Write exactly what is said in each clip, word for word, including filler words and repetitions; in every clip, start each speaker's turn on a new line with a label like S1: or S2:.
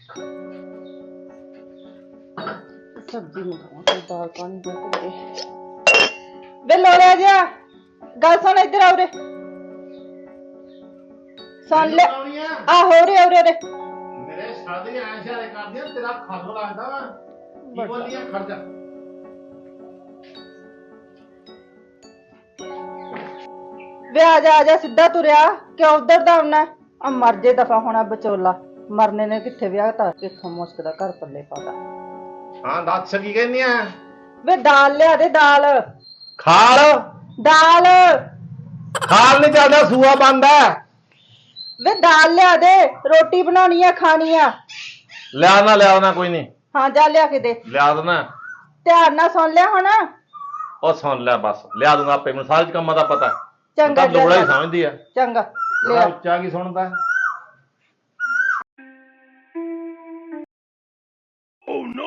S1: सब्जी मंगावा दाल पानी दे वे लोड़े जा गल सुन इधर आओ रे सुन ले आ हो रे हो रे रे
S2: मेरे शादी ऐसे कर दिया तेरा खल लगदा वा की बोलियां खड़ जा
S1: वे आ जा आ जा सीधा तुरया क्यों उधर दा आना आ मर जे दफा होना बचोला मरने ने किथे विआह ता किथों मुश्क दा घर पल्ले पादा
S2: हां दस की कहनी है
S1: वे दाल लिया दे दाल
S2: खाल
S1: दाल
S2: खाल नहीं चलदा सूआ बंद है
S1: वे दाल लिया दे रोटी बनानी है खानी है
S2: लिया ना लिया ना कोई नहीं
S1: हाँ जा लिया के दे
S2: लिया देना
S1: ध्यान ना सुन लिया होना
S2: और सुन लिया बस लिया दूंगा आपे मैं सारे कामां दा पता
S1: चंगा
S2: लोड़ा ही समझदी है
S1: चंगा
S2: लिया उच्चा की सुनदा ओह नो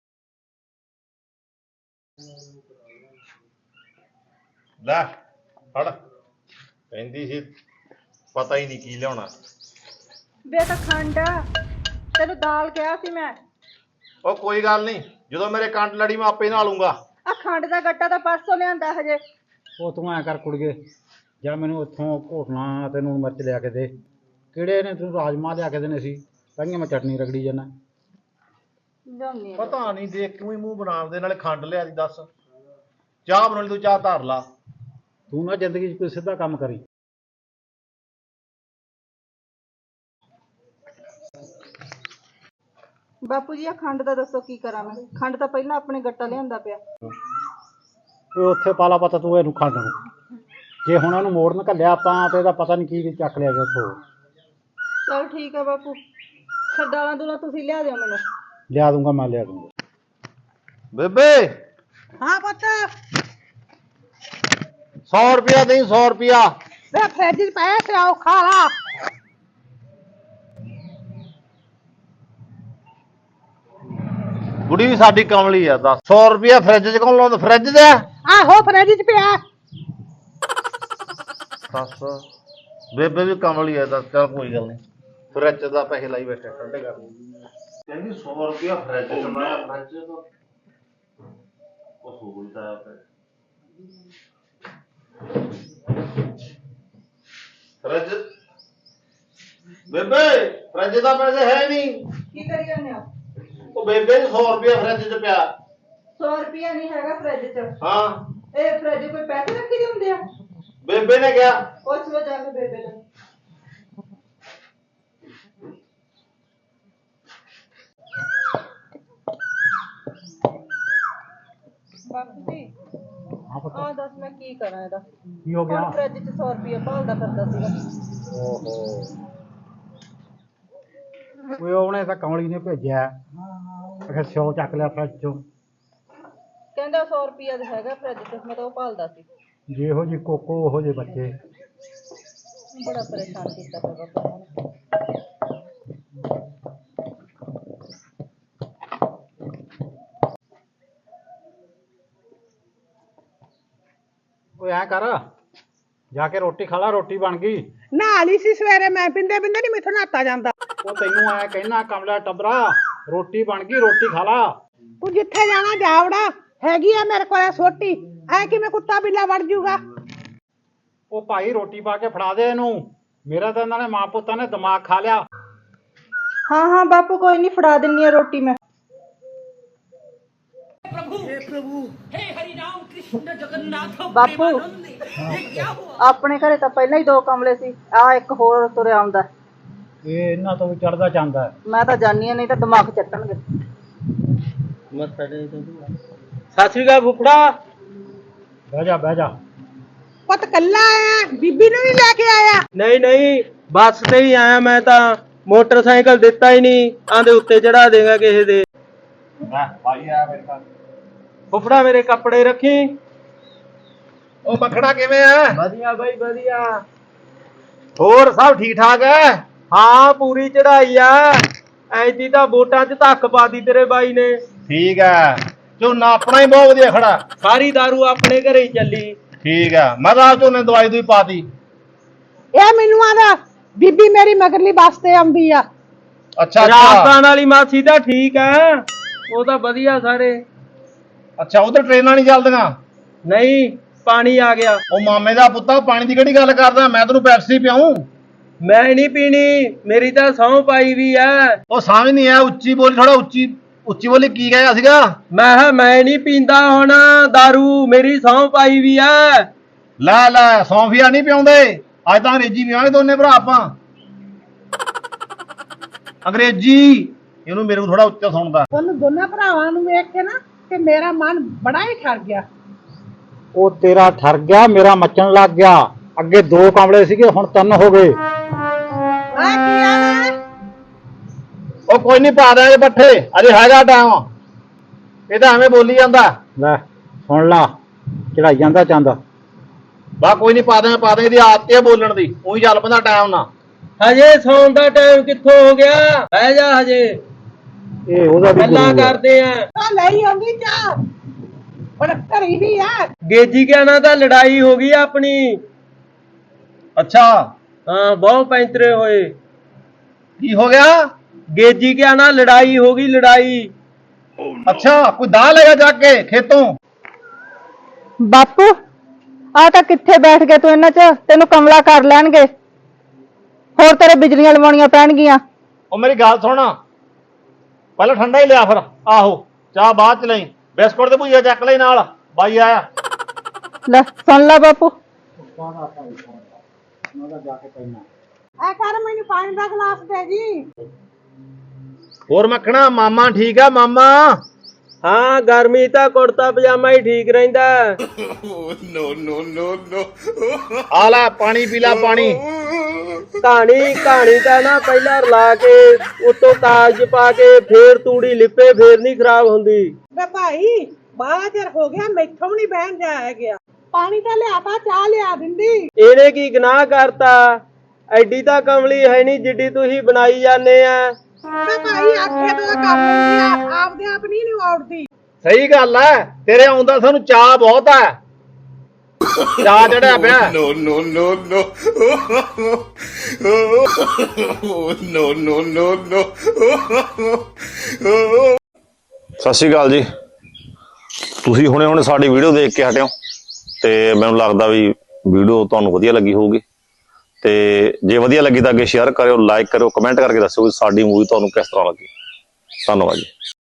S2: ला फड़ कहंदी सी पता ही नहीं की लियाना
S1: वे तो खंड तेन दाल कहा सी मैं
S2: ओ कोई गल नहीं जो मेरे कंड लड़ी मैं आपे नहा लूंगा
S1: आ खंड का गट्टा तो परसों लिया हजे
S3: ਉਹ ਤੂੰ ਐ ਕਰ ਕੁੜੀਏ ਜਾਂ ਮੈਨੂੰ ਉੱਥੋਂ ਘੋਟਣਾ ਤੇ ਲੂਣ ਮਿਰਚ ਲਿਆ ਕੇ ਦੇ ਕਿਹੜੇ ਨੇ ਤੂੰ ਰਾਜਮਾਂਹ ਲਿਆ ਕੇ ਦੇਣੇ ਸੀ ਕਹਿੰਦੀਆਂ ਮੈਂ ਚਟਨੀ ਰਗੜੀ ਜਾਣਾ
S2: ਪਤਾ ਨਹੀਂ ਦੇਖ ਕਿਉਂ ਹੀ ਮੂੰਹ ਬਣਾਉਣ ਦੇ ਨਾਲੇ ਖੰਡ ਲਿਆ ਦੀ ਦੱਸ ਚਾਹ ਬਣਾਉਣੀ ਤੂੰ ਚਾਹ ਧਰ ਲਾ
S3: ਤੂੰ ਨਾ ਜ਼ਿੰਦਗੀ 'ਚ ਕੋਈ ਸਿੱਧਾ ਕੰਮ ਕਰੀ
S1: ਬਾਪੂ ਜੀ ਆ ਖੰਡ ਦਾ ਦੱਸੋ ਕੀ ਕਰਾਂ ਮੈਂ ਖੰਡ ਤਾਂ ਪਹਿਲਾਂ ਆਪਣੇ ਗੱਟਾ ਲਿਆਂਦਾ ਪਿਆ
S3: ਉਹ ਉੱਥੇ ਪਾਲਾ ਪਤਾ ਤੂੰ ਇਹਨੂੰ ਖੰਡ ਨੂੰ ਜੇ ਹੁਣ ਉਹਨੂੰ ਮੋੜਨ ਘੱਲਿਆ ਆਪਾਂ ਤੇ ਇਹਦਾ ਪਤਾ ਨਹੀਂ ਕੀ ਚੱਕ ਲਿਆ ਗਿਆ ਉੱਥੋਂ
S1: ਚਲ ਠੀਕ ਹੈ ਬਾਪੂ ਫਿਰ ਦਾਲਾਂ ਦੂਲਾਂ ਤੁਸੀਂ ਲਿਆ ਦਿਓ ਮੈਨੂੰ
S3: ਲਿਆ ਦੂੰਗਾ ਮੈਂ ਲਿਆ ਦੂੰਗਾ
S2: ਬੇਬੇ
S1: ਹਾਂ ਪੁੱਤ
S2: सौ रुपया नहीं सौ रुपया
S1: ਵੇ ਫਰਿੱਜ 'ਚ ਪਏ ਤੇ ਆਓ ਖਾ ਲਾ
S2: गुड़ी भी साडी कमली है दस सौ रुपया फ्रिज च कौन लाउंदा फ्रिज च
S1: ਆਹੋ ਫਰਿੱਜ 'ਚ ਪਿਆ
S2: दस बेबे भी कमली है दस चल कोई गल नहीं फ्रिज दा पैसे लाई बैठे ठंडे कर कहंदी सौ रुपया फ्रिज च मैं फ्रिज तो ओ होलदा है फ्रिज बेबे फ्रिज दा पैसे है नहीं
S1: ਕੀ ਕਰੀ ਜਾਂਦੇ ਹੋ
S2: ਉਹ ਬੇਬੇ ਨੂੰ ਸੌ ਰੁਪਇਆ ਫਰਿੱਜ 'ਚ ਪਿਆ
S1: ਸੌ ਰੁਪਿਆ ਨਹੀਂ ਹੈਗਾ ਫਰਿੱਜ 'ਚ
S2: ਹਾਂ
S1: ਇਹ ਫਰਿੱਜ ਕੋਈ ਪੈਸੇ ਰੱਖੀ ਦੇ ਹੁੰਦੇ ਆ
S2: ਬੇਬੇ ਨੇ ਕਿਹਾ
S1: ਪੁੱਛ ਲੋ ਜਾ ਕੇ ਬੇਬੇ ਨੂੰ ਬਾਪੂ ਜੀ
S3: ਹਾਂ ਪਤਾ
S1: ਆ ਦੱਸ ਮੈਂ ਕੀ ਕਰਾਂ ਇਹਦਾ
S3: ਕੀ ਹੋ ਗਿਆ
S1: ਫਰਿੱਜ 'ਚ ਸੌ ਰੁਪਿਆ ਭਾਲਦਾ ਫਿਰਦਾ ਸੀਗਾ
S3: ਓਹੋ ਓਏ ਉਹਨੇ ਤਾਂ ਕਮਲੀ ਨੇ ਭੇਜਿਆ ਅਖੇ ਸੌ ਚੱਕ ਲਿਆ ਫਰਿੱਜ ਚੋਂ
S1: ਕਹਿੰਦਾ ਸੌ ਰੁਪਿਆ ਦਾ ਹੈਗਾ ਫਰਿੱਜ 'ਚ ਮੈਂ ਤਾਂ ਉਹ ਭਾਲਦਾ ਸੀ
S3: ਜਿਹੋ ਜੀ ਕੋਕੋ ਉਹੋ ਜਿਹੇ ਬੱਚੇ
S1: ਬੜਾ ਪਰੇਸ਼ਾਨ ਕੀਤਾ ਪਿਆ ਬਾਪੂ ਨੇ
S3: ਓਏ ਐ ਕਰ ਜਾ ਕੇ ਰੋਟੀ ਖਾ ਲਾ ਰੋਟੀ ਬਣ ਗਈ
S4: ਨਹਾ ਲਈ ਸੀ ਸਵੇਰੇ ਮੈਂ ਪਿੰਦੇ ਪਿੰਦੇ ਨਹੀਂ ਮੈਥੋਂ ਨਹਾਤਾ ਜਾਂਦਾ
S3: ਉਹ ਤੈਨੂੰ ਐ ਕਹਿਣਾ ਕਮਲਾ ਟੱਬਰਾ ਰੋਟੀ ਬਣ ਗਈ ਰੋਟੀ ਖਾ ਲਾ
S4: ਤੂੰ ਜਿੱਥੇ ਜਾਣਾ ਜਾਵੜਾ ਹੈਗੀ ਆ ਮੇਰੇ ਕੋਲੇ ਸੋਟੀ ਐ ਕਿਵੇਂ ਕੁੱਤਾ ਬਿੱਲਾ ਵੜ ਜੂਗਾ
S3: ਉਹ ਭਾਈ ਰੋਟੀ ਪਾ ਕੇ ਫੜਾ ਦੇ ਇਹਨੂੰ ਮੇਰਾ ਤਾਂ ਇਹਨਾਂ ਨੇ ਮਾਂ ਪੁੱਤਾਂ ਨੇ ਦਿਮਾਗ ਖਾ ਲਿਆ
S1: ਹਾਂ ਹਾਂ ਬਾਪੂ ਕੋਈ ਨਹੀਂ ਫੜਾ ਦਿੰਨੀ ਆ ਰੋਟੀ ਮੈਂ ਬਾਪੂ ਆਪਣੇ ਘਰੇ ਤਾਂ ਪਹਿਲਾਂ ਹੀ ਦੋ ਕਮਲੇ ਸੀ ਆ ਇੱਕ ਹੋਰ ਤੁਰਿਆ ਆਉਂਦਾ
S3: ਇਹ ਇਹਨਾਂ ਤੋਂ ਵੀ ਚੜਦਾ ਜਾਂਦਾ
S1: ਮੈਂ ਤਾਂ ਜਾਣੀ ਨਹੀਂ ਤਾਂ ਦਿਮਾਗ ਚੱਟਣਗੇ
S5: ਸਤਿ ਸ੍ਰੀ ਅਕਾਲ ਫੁੱਫੜਾ
S3: ਬਹਿ ਜਾ ਬਹਿ ਜਾ
S4: ਪੁੱਤ ਕੱਲਾ ਆਇਆ ਬੀਬੀ ਨੂੰ ਨਹੀਂ ਲੈ ਕੇ ਆਇਆ
S5: ਨਹੀਂ ਨਹੀਂ ਬੱਸ ਤੇ ਹੀ ਆਇਆ ਮੈਂ ਤਾਂ ਮੋਟਰਸਾਈਕਲ ਦਿੱਤਾ ਹੀ ਨਹੀਂ ਆਂਦੇ ਉੱਤੇ ਚੜਾ ਦੇਗਾ ਕਿਸੇ ਦੇ
S3: ਮੈਂ ਭਾਈ ਆ ਮੇਰੇ ਕੋਲ
S5: ਫੁੱਫੜਾ ਮੇਰੇ ਕੱਪੜੇ ਰੱਖੀ
S2: ਉਹ ਮੱਖਣਾ ਕਿਵੇਂ ਆ
S5: ਵਧੀਆ ਬਾਈ ਵਧੀਆ
S2: ਹੋਰ ਸਭ ਠੀਕ ਠਾਕ ਹੈ
S5: ਹਾਂ ਪੂਰੀ ਚੜਾਈ ਆ ਐਦੀ ਤਾਂ ਵੋਟਾਂ 'ਚ ਧੱਕ ਪਾਦੀ ਤੇਰੇ ਬਾਈ ਨੇ
S2: ਠੀਕ ਹੈ ਝੋਨਾ ਆਪਣਾ ਹੀ ਬਹੁਤ ਵਧੀਆ ਖੜਾ
S5: ਸਾਰੀ ਦਾਰੂ ਆਪਣੇ ਘਰੇ ਹੀ ਚੱਲੀ
S2: ਠੀਕ ਹੈ ਮੈਂ ਤਾਂ ਆਪ ਝੋਨੇ ਦਵਾਈ ਦੂਈ ਪਾਤੀ
S4: ਇਹ ਮੈਨੂੰ ਆਦਾ ਬੀਬੀ ਮੇਰੀ ਮਗਰਲੀ ਬੱਸ ਤੇ ਆਉਂਦੀ ਆ
S2: ਅੱਛਾ
S5: ਰਾਜਸਥਾਨ ਵਾਲੀ ਮਾਸੀ ਤਾਂ ਠੀਕ ਆ, ਉਹ ਤਾਂ ਵਧੀਆ ਸਾਰੇ।
S2: ਅੱਛਾ ਉਧਰ ਟ੍ਰੇਨਾਂ ਨਹੀਂ ਚੱਲਦੀਆਂ?
S5: ਨਹੀਂ, ਪਾਣੀ ਆ ਗਿਆ।
S2: ਉਹ ਮਾਮੇ ਦਾ ਪੁੱਤਾ ਪਾਣੀ ਦੀ ਕਿਹੜੀ ਗੱਲ ਕਰਦਾ, ਮੈਂ ਤੈਨੂੰ ਪੈਪਸੀ ਪਿਆਉਂ।
S5: ਮੈਂ ਨਹੀਂ ਪੀਣੀ, ਮੇਰੀ ਤਾਂ ਸਹੁੰ ਪਾਈ ਵੀ ਆ।
S2: ਉਹ ਸਮਝ ਨਹੀਂ ਆ, ਉੱਚੀ ਬੋਲੀ, ਥੋੜਾ ਉੱਚੀ ਉੱਚੀ ਬੋਲੀ। ਕੀ ਕਹਿਆ ਸੀਗਾ?
S5: ਮੈਂ ਕਿਹਾ ਮੈਂ ਨਹੀਂ ਪੀਂਦਾ ਹੁਣ ਦਾਰੂ, ਮੇਰੀ ਸਹੁੰ ਪਾਈ ਵੀ ਆ।
S2: ਲੈ ਲੈ, ਸੌਂਫੀਆ ਨਹੀਂ ਪਿਆਉਂਦੇ, ਅੱਜ ਤਾਂ ਅੰਗਰੇਜ਼ੀ ਪਿਆਵਾਂਗੇ ਦੋਨੇ ਭਰਾ ਆਪਾਂ। ਅੰਗਰੇਜ਼ੀ ਇਹਨੂੰ ਮੇਰੇ ਨੂੰ ਥੋੜਾ ਉੱਚਾ ਸੁਣਦਾ।
S4: ਤੁਹਾਨੂੰ ਦੋਨਾਂ ਭਰਾਵਾਂ ਨੂੰ ਵੇਖ ਕੇ ਨਾ ਤੇ ਮੇਰਾ ਮਨ ਬੜਾ ਹੀ ਠਰ ਗਿਆ।
S3: ਉਹ ਤੇਰਾ ਠਰ ਗਿਆ, ਮੇਰਾ ਮੱਚਣ ਲੱਗ ਗਿਆ। ਅੱਗੇ ਦੋ ਕਮਲੇ ਸੀਗੇ, ਹੁਣ ਤਿੰਨ ਹੋ ਗਏ।
S4: ਆ ਕੀ ਆ ਵੇ?
S2: ਉਹ ਕੋਈ ਨਹੀਂ, ਪਾ ਦਿਆਂਗੇ ਪੱਠੇ, ਅਜੇ ਹੈਗਾ ਟਾਈਮ। ਇਹ ਤਾਂ ਐਵੇਂ ਬੋਲੀ ਜਾਂਦਾ।
S3: ਲੈ ਸੁਣ ਲਾ, ਚੜਾਈ ਜਾਂਦਾ ਚੰਦ।
S2: ਬਾ ਕੋਈ ਨਹੀਂ, ਪਾ ਦਿਆਂਗੇ ਪਾ ਦਿਆਂਗੇ, ਇਹਦੀ ਆਦਤ ਹੈ ਬੋਲਣ ਦੀ, ਉਹੀ ਚੱਲ ਪੈਂਦਾ ਟਾਈਮ ਨਾਲ।
S5: ਹਜੇ ਸੌਣ ਦਾ ਟਾਈਮ ਕਿੱਥੋਂ ਹੋ ਗਿਆ? ਬਹਿ ਜਾ, ਹਜੇ
S3: ਇਹ ਉਹਦਾ ਵੀ
S5: ਗੱਲਾਂ
S3: ਗੁਰੂ ਆ।
S5: ਕਰਦੇ ਆ।
S4: ਆ ਲਈ ਆਉਂਦੀ ਚਾਹ, ਬੜਾ ਘਰੀ ਹੀ ਆ।
S5: ਗੇਜੀ ਕਿਆ ਨਾਲ ਤਾਂ ਲੜਾਈ ਹੋ ਗਈ ਆਪਣੀ।
S2: ਅੱਛਾ,
S5: ਹਾਂ, ਬਹੁਤ ਪੈਂਤਰੇ ਹੋਏ।
S2: ਕੀ ਹੋ ਗਿਆ?
S5: ਗੇਜੀ ਕਿਆ ਨਾਲ ਲੜਾਈ ਹੋ ਗਈ, ਲੜਾਈ।
S2: ਅੱਛਾ, ਕੋਈ ਦਾਲ ਲੈਗਾ ਜਾ ਕੇ ਖੇਤੋਂ?
S1: ਬਾਪੂ ਆ ਤਾਂ ਕਿੱਥੇ ਬੈਠ ਗਏ ਤੂੰ ਇਹਨਾਂ 'ਚ, ਤੈਨੂੰ ਕਮਲਾ ਕਰ ਲੈਣਗੇ, ਹੋਰ ਤੇਰੇ ਬਿਜਲੀਆਂ ਲਵਾਉਣੀਆਂ ਪੈਣਗੀਆਂ।
S2: ਉਹ ਮੇਰੀ ਗੱਲ ਸੁਣ, ਪਹਿਲਾਂ ਠੰਡਾ ਹੀ ਲਿਆ, ਫਿਰ ਆਹੋ ਚਾਹ ਬਾਅਦ ਚ ਲਈ, ਬਿਸਕੁਟ ਤੇ ਭੁਜੀਆ ਚੱਕ ਲਈ ਨਾਲ, ਬਾਈ ਆਇਆ।
S1: ਲੈ ਸੁਣ ਲੈ ਬਾਪੂ,
S4: ਆ ਕਰ ਮੈਨੂੰ ਪਾਣੀ ਦਾ ਗਲਾਸ ਦੇ ਜੀ।
S2: ਹੋਰ ਮੱਖਣਾ, ਮਾਮਾ ਠੀਕ ਆ? ਮਾਮਾ
S5: ਹਾਂ, ਗਰਮੀ ਤਾਂ ਕੁੜਤਾ ਪਜਾਮਾ ਹੀ ਠੀਕ ਰਹਿੰਦਾ।
S2: ਆ ਲੈ ਪਾਣੀ ਪੀ ਲੈ, ਪਾਣੀ।
S5: ਕਹਾਣੀ ਕਹਾਣੀ ਤਾਂ ਨਾ ਪਹਿਲਾਂ ਰਲਾ ਕੇ ਉੱਤੋਂ ਕਾਗਜ਼ ਪਾ ਕੇ ਫੇਰ ਤੂੜੀ ਲਿਪੇ, ਫੇਰ ਨਹੀਂ ਖਰਾਬ ਹੁੰਦੀ।
S4: ਵੇ ਭਾਈ ਬਾਹਲਾ ਚਿਰ ਹੋ ਗਿਆ, ਮੈਥੋਂ ਨਹੀਂ ਬਹਿਣ ਜਾਇਆ ਗਿਆ। ਪਾਣੀ ਤਾਂ ਲਿਆ, ਤਾਂ ਚਾਹ ਲਿਆ ਦਿੰਦੀ।
S5: ਇਹਨੇ ਕੀ ਗੁਨਾਹ ਕਰਤਾ? ਐਡੀ ਤਾਂ ਕਮਲੀ ਹੈ ਨਹੀਂ ਜਿੱਡੀ ਤੁਸੀਂ ਬਣਾਈ ਜਾਂਦੇ ਆ।
S4: ਵੇ ਭਾਈ ਆਖੇ ਤੋਂ ਕਰ ਲੈਂਦੀ ਆ, ਆਪਦੇ ਆਪ ਨਹੀਂ ਨੂੰ ਆਉੜਦੀ।
S2: ਸਹੀ ਗੱਲ ਐ, ਤੇਰੇ ਆਉਂਦਾ ਸਾਨੂੰ ਚਾਹ ਬਹੁਤ ਐ, ਚਾਹ ਚੜਿਆ ਪਿਆ।
S6: No, no, no, no. No, no, no, no.
S7: ਸਤਿ ਸ਼੍ਰੀ ਅਕਾਲ ਜੀ। ਤੁਸੀਂ ਹੁਣੇ ਹੁਣੇ ਸਾਡੀ ਵੀਡੀਓ ਦੇਖ ਕੇ ਹਟਿਓ ਤੇ ਮੈਨੂੰ ਲੱਗਦਾ ਵੀ ਵੀਡੀਓ ਤੁਹਾਨੂੰ ਵਧੀਆ ਲੱਗੀ ਹੋਊਗੀ। ਤੇ ਜੇ ਵਧੀਆ ਲੱਗੀ ਤਾਂ ਅੱਗੇ ਸ਼ੇਅਰ ਕਰਿਓ, ਲਾਈਕ ਕਰਿਓ, ਕਮੈਂਟ ਕਰਕੇ ਦੱਸਿਓ ਵੀ ਸਾਡੀ ਮੂਵੀ ਤੁਹਾਨੂੰ ਕਿਸ ਤਰ੍ਹਾਂ ਲੱਗੀ। ਧੰਨਵਾਦ ਜੀ।